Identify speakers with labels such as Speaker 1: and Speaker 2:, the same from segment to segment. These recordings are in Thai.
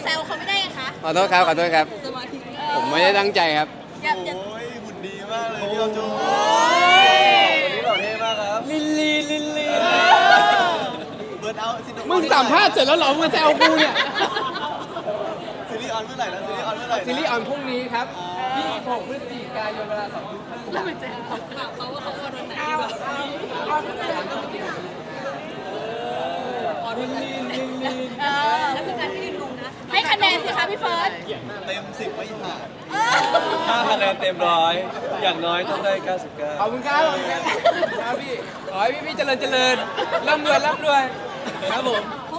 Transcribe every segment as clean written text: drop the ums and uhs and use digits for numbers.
Speaker 1: แซวเขาไม่ได้คะ
Speaker 2: ขอโทษครับขอโทษครับผมไม่ได้ตั้งใจครับ
Speaker 1: อย่า
Speaker 3: โอ้ยหุ่นดีมากเลยพี่ออมจูวันนี้หล่อเท่มากครับ
Speaker 2: ลิลลี่
Speaker 3: เบิร์นเอาซิน
Speaker 2: มึงสัมภาษณ์เสร็จแล้วเหรอมึงมาแซวกูเนี่ย
Speaker 3: ซีรีส์ออนเมื่อไหร่นะซีรีส์ออนเมื่อไหร่
Speaker 2: ซีรีส์ออนพรุ่งนี้ครับ26 พฤศจิกายนเวลา2 ทุ่ม
Speaker 1: แล้วมันจะเขาว่าเขาโอนวันไหนดีกว่าแล้วคือการที่ลินลงนะให้คะแนนสิคะพี่เฟิร์ส
Speaker 3: เต็ม10ไม่ผ่าน
Speaker 4: 5 คะแนนเต็มร้อยอย่างน้อยต้องได้ 99
Speaker 2: ขอบคุณครับครับพี่ขอให้พี่เจริญร่ำรวยครับผม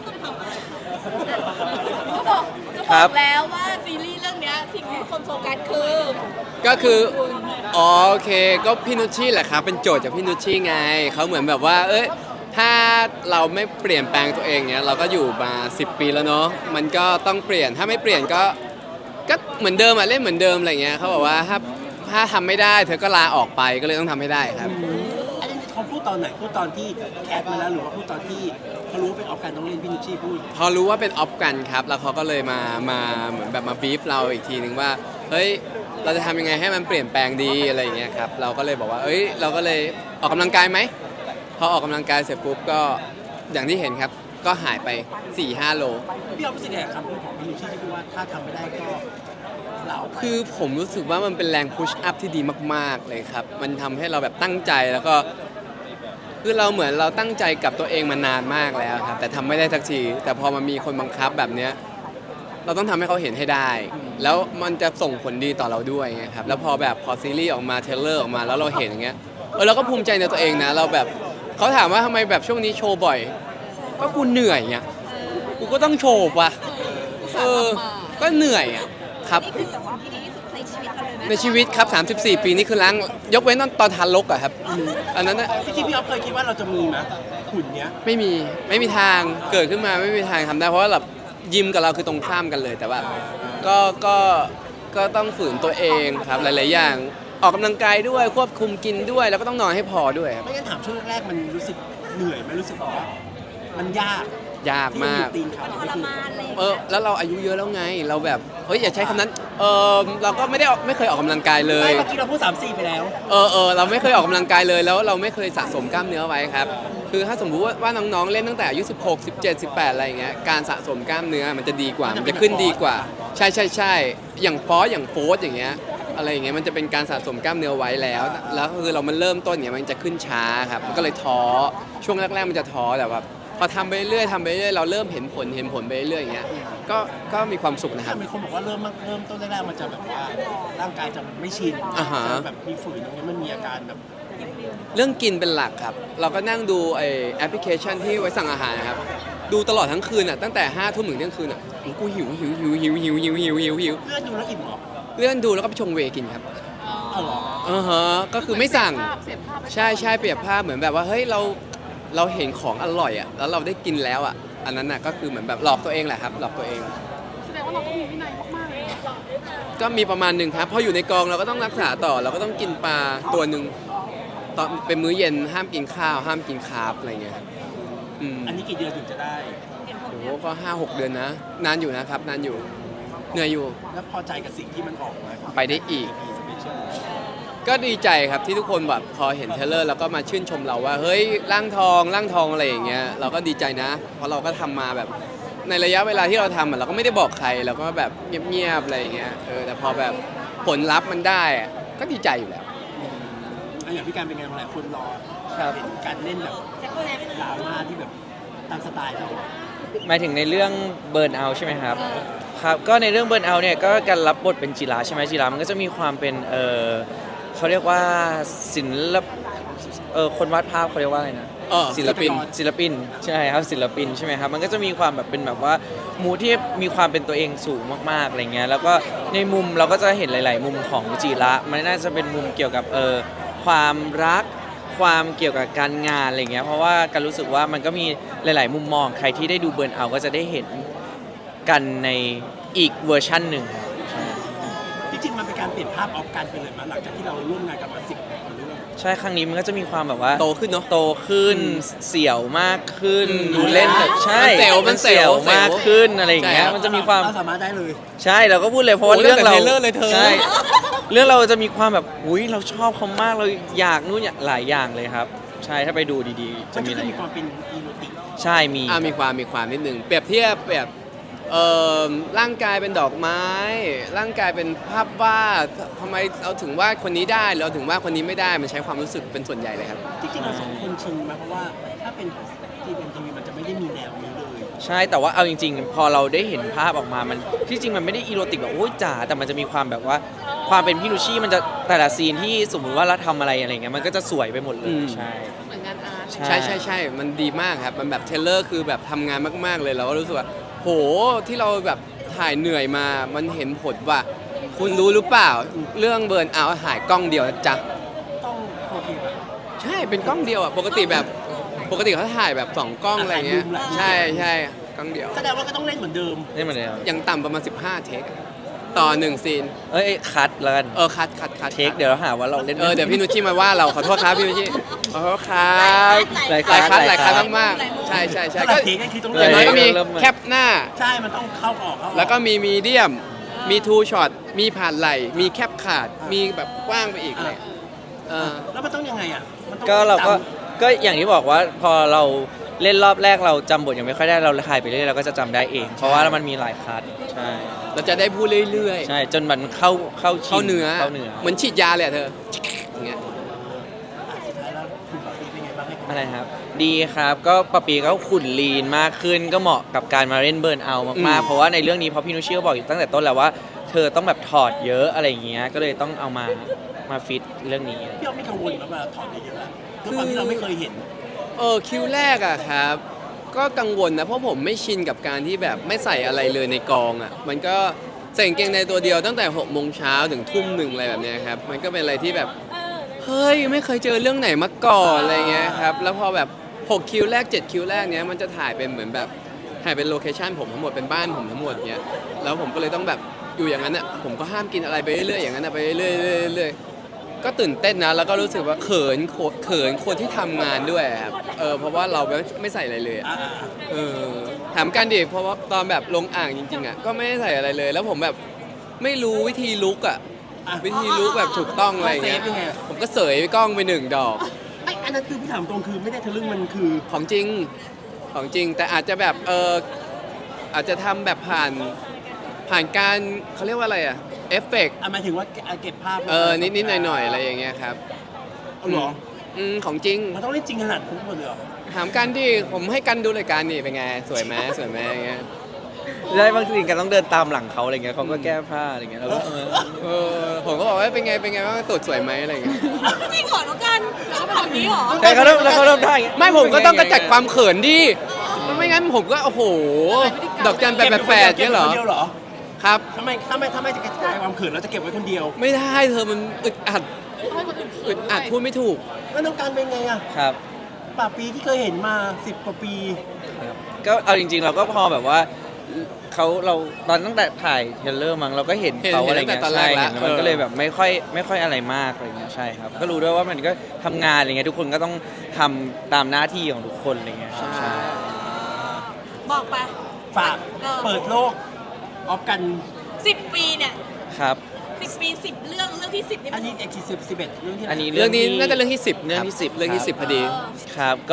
Speaker 1: เขาบอกแล้วว่าซีรีส์เรื่องนี้สิ่งที่คนโฟกัส
Speaker 2: ก็คือโอเคก็พี่นุชชี่แหละครับเป็นโจทย์จากพี่นุชชี่ไงเขาเหมือนแบบว่าถ้าเราไม่เปลี่ยนแปลงตัวเองเนี้ยเราก็อยู่มา10 ปีแล้วเนาะมันก็ต้องเปลี่ยนถ้าไม่เปลี่ยนก็เหมือนเดิมเล่นเหมือนเดิมอะไรเงี้ยเขาบอกว่าถ้าทำไม่ได้เธอก็ลาออกไปก็เลยต้องทำให้ได้ครับ
Speaker 5: อันนี้เขาพูดตอนไหนพูดตอนที่แคสมาแล้วหรือว่าพูดตอนที่เขารู้ว่าเป็นออฟกันต้องเล่นพี่นุชชี่พูด
Speaker 2: พอรู้ว่าเป็นออฟกันครับแล้วเขาก็เลยมาเหมือนแบบมาบีฟเราอีกทีนึงว่าเฮ้ยเราจะทำยังไงให้มันเปลี่ยนแปลงดีอะไรอย่างเงี้ยครับเราก็เลยบอกว่าเราก็เลยออกกำลังกายไหมพอออกกำลังกายเสร็จปุ๊บก็อย่างที่เห็นครับก็หายไป 4-5 โล
Speaker 5: พี่เอาไปสิแกคำพูดของพี่นุชชี่ที่พูดว่าถ้าทำไม่ได้ก็
Speaker 2: คือผมรู้สึกว่ามันเป็นแรงพุชอัพที่ดีมากๆเลยครับมันทำให้เราแบบตั้งใจแล้วก็คือเราเหมือนเราตั้งใจกับตัวเองมานานมากแล้วครับแต่ทำไม่ได้สักทีแต่พอมันมีคนบังคับแบบเนี้ยเราต้องทำให้เขาเห็นให้ได้แล้วมันจะส่งผลดีต่อเราด้วยไงครับแล้วพอซีรีส์ออกมาเทรลเลอร์ออกมาแล้วเราเห็นอย่างเงี้ยเราก็ภูมิใจในตัวเองนะเราแบบเขาถามว่าทำไมแบบช่วงนี้โชว์บ่อยก็กูเหนื่อยไงกูก็ต้องโชว์ว่ะก็เหนื่อยอ่ะครับ
Speaker 1: นี่คือแต่ว่าที่ดีที่สุดในชีวิตเราเลยนะ
Speaker 2: ในชีวิตครับ34 ปีนี่คือล้างยกเว้นตอนทารกอะครับอันนั้นนะ
Speaker 5: พี่ออฟเคยคิดว่าเราจะมีไหมหุ่นเนี้ย
Speaker 2: ไม่มีทางเกิดขึ้นมาไม่มีทางทำได้เพราะว่าแบบยิมกับเราคือตรงข้ามกันเลยแต่ว่าก็ต้องฝืนตัวเองครับหลายๆอย่างออกกำลังกายด้วยควบคุมกินด้วยแล้วก็ต้องนอนให้พอด้วยครับ
Speaker 5: ไม่งั้นถามช่วงแรกๆมันรู้สึกเหนื่อยไหมรู้สึกว่ามันยาก
Speaker 2: มาก
Speaker 1: ทรมานเลย
Speaker 2: แล้วเราอายุเยอะแล้วไงเราแบบอย่าใช้คำนั้นเราก็ไม่เคยออกกำลังกายเลย
Speaker 5: เมื่อกี้เราพูด3-4ไปแล้ว
Speaker 2: เราไม่เคยออกกำลังกายเลยแล้วเราไม่เคยสะสมกล้ามเนื้อไว้ครับคือถ้าสมมติว่าน้องๆเล่นตั้งแต่อายุ16 17 18อะไรอย่างเงี้ยการสะสมกล้ามเนื้อมันจะดีกว่ามันจะขึ้นดีกว่าใช่อย่างฟอสอย่างเงี้ยอะไรอย่างเงี้ยมันจะเป็นการสะสมกล้ามเนื้อไว้แล้วคือเรามันเริ่มต้นเนี่ยมันจะขึ้นช้าครับมันก็เลยท้อช่วงแรกๆมันจะท้อแต่ว่าพอทำไปเรื่อยเราเริ่มเห็นผลไปเรื่อยอย่างเงี้ยก็มีความสุขนะครับ
Speaker 5: มีคนบอกว่าเริ่มต้นแรกๆมันจะแบบว่าร่างกายจะไม่ชินจะแบบมีฝืนตรงนี้มันมีอาการแบบ
Speaker 2: เรื่องกินเป็นหลักครับเราก็นั่งดูแอปพลิเคชันที่ไว้สั่งอาหารนะครับดูตลอดทั้งคืนอ่ะตั้งแต่5 ทุ่มถึงเที่ยงคืนอ่ะกูหิวเลื่อน
Speaker 5: ดูแล้วอิ่มหรอ
Speaker 2: เลื่อนดูแล้วก็ไปชงเวกินครับก็คือไม่สั่งใช่เปรียบภาพเหมือนแบบว่าเฮ้ยเราเห็นของอร่อยอ่ะแล้วเราได้กินแล้วอ่ะอันนั้นน่ะก็คือเหมือนแบบหลอกตัวเองแหละครับหลอกตัวเอง
Speaker 1: แสดงว่าเราต้องมีวินัยมากๆเลย
Speaker 2: ก็มีประมาณหนึ่งครับพออยู่ในกองเราก็ต้องรักษาต่อเราก็ต้องกินปลาตัวหนึ่งตอนเป็นมื้อเย็นห้ามกินข้าวห้ามกินคาร์บอะไรเงี้ยครับ
Speaker 5: อันนี้กี่เดือนถึงจะได้
Speaker 2: โอ้ก็5-6 เดือนนะนานอยู่นะครับนานอยู่เหนื่อยอยู่
Speaker 5: แล้วพอใจกับสิ่งที่มันออกมา
Speaker 2: ไปได้อีกก็ดีใจครับที่ทุกคนแบบพอเห็นเทเลอร์แล้วก็มาชื่นชมเราว่าเฮ้ยร่างทองอะไรอย่างเงี้ยเราก็ดีใจนะเพราะเราก็ทำมาแบบในระยะเวลาที่เราทำเราก็ไม่ได้บอกใครเราก็แบบเงียบๆอะไรอย่างเงี้ยแต่พอแบบผลลัพธ์มันได้ก็ดีใจอยู่แล้ว
Speaker 5: อย่างพี่การเป็นไงหลายคนรอเห็นการเล่นแบบดราม่าที่แบบตามสไตล์เรา
Speaker 4: หมายถึงในเรื่องเบิร์นเอาใช่ไหมครับครับก็ในเรื่องเบิร์นเอาเนี่ยก็การรับบทเป็นจิราใช่ไหมจิรามันก็จะมีความเป็นเขาเรียกว่าศิลปคนวาดภาพเขาเรียกว่าอะไรนะศิลปินใช่ครับศิลปินใช่ไหมครับมันก็จะมีความแบบเป็นแบบว่ามูที่มีความเป็นตัวเองสูงมากๆอะไรเงี้ยแล้วก็ในมุมเราก็จะเห็นหลายๆมุมของจิระมันน่าจะเป็นมุมเกี่ยวกับความรักความเกี่ยวกับการงานอะไรเงี้ยเพราะว่าการรู้สึกว่ามันก็มีหลายๆมุมมองใครที่ได้ดูเบิร์นเอาก็จะได้เห็นกันในอีกเวอร์ชั่นหนึ่ง
Speaker 5: ที่จริงมันเป็นการเปลี่ยนภาพออกการไปเลยมาหลังจากที่เราร่วมงานกันมา10 กว่าเรื่อง
Speaker 4: ใช่ครั้งนี้มันก็จะมีความแบบว่า
Speaker 2: โตขึ้นเนาะ
Speaker 4: โตขึ้นเสี่ยวมากขึ้นดูเล่นแบบใช่
Speaker 2: มันเสี่ยว
Speaker 4: มากขึ้นอะไรอย่างเงี้ย
Speaker 2: ใช่ครับ
Speaker 4: มันจะมีความ
Speaker 5: เราสามารถได้เลย
Speaker 4: ใช่เราก็พูดเลยเพราะว่า
Speaker 2: โอ้โห
Speaker 4: เรื่องเรา
Speaker 2: ตั้งแต่เทรลเลอร์เลยเธอ
Speaker 4: ใช่เรื่องเราจะมีความแบบอุ้ยเราชอบเขามากเราอยากนู่นอยากหลายอย่างเลยครับ ใช่ถ้าไปดูดีๆ
Speaker 5: มั
Speaker 4: จะ
Speaker 5: น
Speaker 4: มี
Speaker 5: ก็
Speaker 4: อะไร
Speaker 5: คือมีความเป็นอีโรติก
Speaker 4: ใช่มี
Speaker 2: มีความนิดนึงเปรียบเทียบแบบร่างกายเป็นดอกไม้ ร่างกายเป็นภาพวาดทำไมเราถึงว่าคนนี้ได้เราถึงว่าคนนี้ไม่ได้มันใช้ความรู้สึกเป็นส่วนใหญ่เลยครับ
Speaker 5: จริงๆเราสองคนชินมาเพราะว่าถ้าเป็นทีเป็นทีวีมันจะไม่ได้มีแนวนี้เลย
Speaker 4: ใช่แต่ว่าเอาจริงๆ พอเราได้เห็นภาพออกมามันที่จริงมันไม่ได้อีโรติกแบบโอ้ยจ๋าแต่มันจะมีความแบบว่าความเป็นพี่นุชชี่มันจะแต่ละซีนที่สมมุติว่าเราทำอะไรอะไรเงี้ยมันก็จะสวยไปหมดเล
Speaker 2: อื
Speaker 4: ย
Speaker 2: ม
Speaker 4: ใช่
Speaker 1: เหมือนงานอาร์ต
Speaker 2: ใช่ มันดีมากครับ มันแบบเทรลเลอร์คือแบบทำงานมาก ๆ เลยเราก็รู้สึกว่า โห ที่เราแบบถ่ายเหนื่อยมา มันเห็นผลว่า คุณรู้หรือเปล่า เรื่องเบิร์นเอาท์ถ่ายกล้องเดียวนะจ๊ะ
Speaker 5: ต้องโอเคป่ะ
Speaker 2: ใช่ เป็นกล้องเดียวอ่ะ ปกติเขาถ่ายแบบ 2 กล้องอะไรเงี้ย ใช่กล้องเดียว
Speaker 5: แสดงว่าก็ต้องเล่นเหมือนเดิม
Speaker 4: นี่เหมือนเดิม
Speaker 2: ยังต่ำประมาณ 15 เทคอะต่อ 1 ซีน
Speaker 4: เอ้ยคัดแล้วกัน
Speaker 2: คัด
Speaker 4: เทคเดี๋ยวเราหาว่าเราเล่น
Speaker 2: เดี๋ยวพี่นุชชี่มาว่าเราขอโทษครับพี่นุชชี่ขอโทษครับ
Speaker 4: หลาย
Speaker 2: หลายคัด
Speaker 4: หลายคัด
Speaker 2: มากๆใช่
Speaker 5: ถ้า
Speaker 2: ก็
Speaker 5: เราเทคก็คือต้อง
Speaker 2: อ
Speaker 5: เล่
Speaker 2: ย่าน งน้อยก็มี
Speaker 4: เริ่ม
Speaker 2: แคปหน้า
Speaker 5: ใช่มันต้องเข้าออกเข้าออก
Speaker 2: แล้วก็มีมีเดียม มีทูช็อต มีผ่านไหล มีแคปขาด มีแบบกว้างไปอีกเลยเออ
Speaker 5: แล้วมันต้องยังไงอ่ะมันต้อง
Speaker 4: ก็เราก็
Speaker 5: จ
Speaker 4: ก็อย่างที่บอกว่าพอเราเล่นรอบแรกเราจำบทยังไม่ค่อยได้เราถ่ายไปเรื่อยเราก็จะจำได้เอง เพราะว่ามันมีหลายคัดใช่
Speaker 2: เราจะได้พูดเรื่อย
Speaker 4: ใช่จนมันเข้า
Speaker 2: ๆ
Speaker 4: ชิ
Speaker 2: เข้าเนื้อ
Speaker 4: เข้าเนื้อ
Speaker 2: เหมือนฉีดยาเลยอะเธออย่างเงี้ย
Speaker 5: ำสุดท้ายแล้วคุณปาปีเป็นไงบ้างให้
Speaker 4: อะไรครับ ดีครับก็ปะปีก็ขุ่นลีนมากขึ้นก็เหมาะกับการมาเล่นเบิร์นเอาท์มากๆเพราะว่าในเรื่องนี้เพราะพี่นุชเชี่ก็บอกอยู่ตั้งแต่ต้นแล้วว่าเธอต้องแบบถอดเยอะอะไรอย่างเงี้ยก็เลยต้องเอามาฟิตเรื่องนี้
Speaker 5: พี่อ๊อฟไม่กังวลแล้วว่าถอดเยอะๆอะด้วยความที่เราไม่เคยเห็น
Speaker 2: คิวแรกอะครับ ก็กังวลนะ เพราะผมไม่ชินกับการที่แบบไม่ใส่อะไรเลยในกองอะมันก็ใส่กางเกงในตัวเดียวตั้งแต่6 โมงเช้าถึงทุ่มหนึ่งอะไรแบบเนี้ยครับ มันก็เป็นอะไรที่แบบ เฮ้ย ไม่เคยเจอเรื่องไหนมาก่อนอะไรเงี้ยครับ แล้วพอแบบ6 คิวแรก 7 คิวแรกเนี้ยมันจะถ่ายเป็นเหมือนแบบถ่ายเป็นโลเคชั่นผมทั้งหมดเป็นบ้านผมทั้งหมดเนี้ยแล้วผมก็เลยต้องแบบอยู่อย่างนั้นอะผมก็ห้ามกินอะไรไปเรื่อยๆอย่างนั้นอะไปเรื่อยๆเรื่อยๆก็ตื่นเต้นนะแล้วก็รู้สึกว่าเขินคนที่ทำงานด้วยครับเพราะว่าเราไม่ใส่อะไรเลยอะถามกันดิเพราะว่าตอนแบบลงอ่างจริงๆอะก็ไม่ได้ใส่อะไรเลย แล้วผมแบบไม่รู้วิธีลุกอะวิธีลุกแบบถูกต้องอะไรอย่างเงี้ย
Speaker 5: เซฟยังไง
Speaker 2: ผมก็เสยกล้องไป1 ดอก
Speaker 5: ไอ้อันนั้นคือพี่ถามตรงคือไม่ได้ทะลึ่งมันคือ
Speaker 2: ของจริงแต่อาจจะแบบอาจจะทำแบบผ่านการเขาเรียกว่าอะไรอะเอฟเฟกต์
Speaker 5: หมายถึงว่าเก็บภาพ
Speaker 2: นิดๆหน่อยๆอะไรอย่างเงี้ยครับ
Speaker 5: เอาเหรอ
Speaker 2: ของจริง
Speaker 5: มันต้องเล่นจริงขนาดคุณหมดเลยเหรอ
Speaker 2: ถามกันดิผมให้กันดูรายการนี่เป็นไงสวยไหมอย่างเงี้ย
Speaker 4: ได้บางทีกันต้องเดินตามหลังเขาอะไรเงี้ยเขาก็แก้ผ้าอะไรเงี้ยเราก็
Speaker 2: ผมก็บอกว่าเป็นไงบ้างตูดสวยไหมอะไรอย่างเงี้ย
Speaker 1: จริงเหรอน้องกันเราเป็นแบบนี้เหรอ
Speaker 4: แต่เขาเริ่มได้อย่างเงี้ย
Speaker 2: ไม่ผมก็ต้องกระจัดความเขินดิไม่งั้นผมก็โอ้โหดอกจันแปดเนี่ยเหรอ
Speaker 5: ก็บไว้คนเดียวเหรอ
Speaker 2: ครับ
Speaker 5: ทำไไมจะกระจายความเขินเราจะเก็บไว้คนเดียว
Speaker 2: ไม่ได้เธอมันอึดอัดพูดไม่ถูก
Speaker 5: แล้วน้องการเป็นไงอ่ะ
Speaker 4: ครับ
Speaker 5: ป่าปีที่เคยเห็นมา10 กว่าปี
Speaker 4: ก็เอาจริงๆเราก็พอแบบว่าเราตอนตั้งแต่ถ่ายเทรลเลอร์มั้งเราก็เห็นเขาอะไร
Speaker 2: เห็นตั้
Speaker 4: เงี้
Speaker 2: ง
Speaker 4: ย
Speaker 2: แต่ตอนแร
Speaker 4: ใช่
Speaker 2: กแล้ว
Speaker 4: เห็นมันก็เลยแบบไม่ค่อยอะไรมากอะไรเงี้ยใช่ครับก็รู้ด้วยว่ามันก็ทำงานอะไรเงี้ยทุกคนก็ต้องทำตามหน้าที่ของทุกคนอะไรเงี้ยครับใช่
Speaker 1: บอกไป
Speaker 5: ฝากเปิดโลกออฟกัน
Speaker 1: 10 ปีเนี่ย
Speaker 4: ครับ
Speaker 1: 10 ปี 10 เรื่องที่ 10นี่
Speaker 5: อั
Speaker 1: มัน น
Speaker 5: นี้11เรื่องที่ไห
Speaker 4: อันนี้
Speaker 2: เรื่องนี้น่าจะเรื่องที่ 10
Speaker 4: เรื่องที่10
Speaker 2: เรื่องที่ 10พอดี
Speaker 4: ครับก็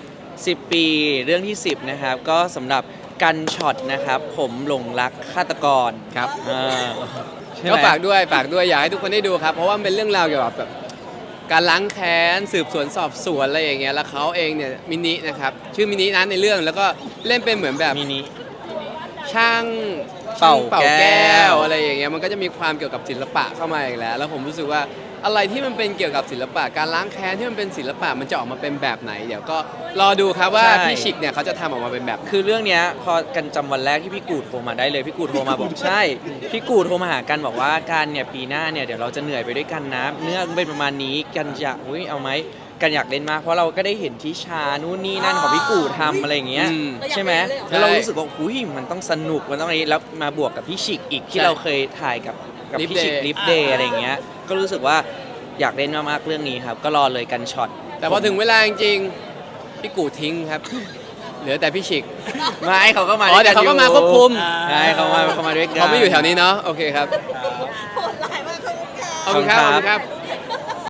Speaker 4: 10 ปีเรื่องที่ 10นะครับก็สำหรับกันช็อตนะครับผมหลงรักฆาตกร
Speaker 2: ครับ
Speaker 4: ใช่ไหม
Speaker 2: ก็ฝากด้วยอยากให้ทุกคนได้ดูครับ เพราะว่ามันเป็นเรื่องราวเกี่ยวกับแบบการล้างแค้นสืบสวนสอบสวนอะไรอย่างเงี้ยแล้วเขาเองเนี่ยมินินะครับชื่อมินินั้นในเรื่องแล้วก็เล่นเป็นเหมือนแบบ
Speaker 4: มินิ
Speaker 2: ช่าง
Speaker 4: เป่า
Speaker 2: แก้ว
Speaker 4: ว
Speaker 2: อะไรอย่างเงี้ยมันก็จะมีความเกี่ยวกับศิลปะเข้ามาอีกแล้วแล้วผมรู้สึกว่าอะไรที่มันเป็นเกี่ยวกับศิลปะการล้างแค้นที่มันเป็นศิลปะมันจะออกมาเป็นแบบไหน เดี๋ยวก็รอดูครับว่าพี่ชิกเนี่ยเขาจะทำออกมาเป็นแบบไหน
Speaker 4: คือเรื่องเนี้ยพอกันจำวันแรกที่พี่กูดโทรมาได้เลยพี่กูดโทรมาบอกใช่พี่กูดโทรมาหากันบอกว่ากันเนี่ยปีหน้าเนี่ยเดี๋ยวเราจะเหนื่อยไปด้วยกันนะเนื้อเป็นประมาณนี้กันอยากเอาไหมกันอยากเล่นมากเพราะเราก็ได้เห็นทิชานู่นนี่นั่นของพี่กูดทำอะไรอย่างเงี้ย
Speaker 2: อืม
Speaker 4: ใช่ไหม
Speaker 2: ใช่
Speaker 4: แล้วเรารู้สึกว่าหุยมันต้องสนุกมันต้องอะไรแล้วมาบวกกับพี่ชิกอีกที่เราเคยถ่ายกับพี่ชิกลิฟเดย์อะไรอย่างเงี้ยก็รู้สึกว่าอยากเล่นมากๆเรื่องนี้ครับก็รอเลยกันช็อต
Speaker 2: แต่พอถึงเวลาจริงๆพี่กูทิ้งครับ เหลือแต่พี่ฉิก
Speaker 4: ไม่เขาก็มา
Speaker 2: อ๋อเดี๋ยวเขาก็มาควบคุม
Speaker 4: ใช่เขามาด้วยกัน
Speaker 2: เขาไม่อยู่แถวนี้เนาะโอเคครับ
Speaker 1: โหดร้ายมากค่ะ
Speaker 2: ขอบคุณครับขอบคุณครับ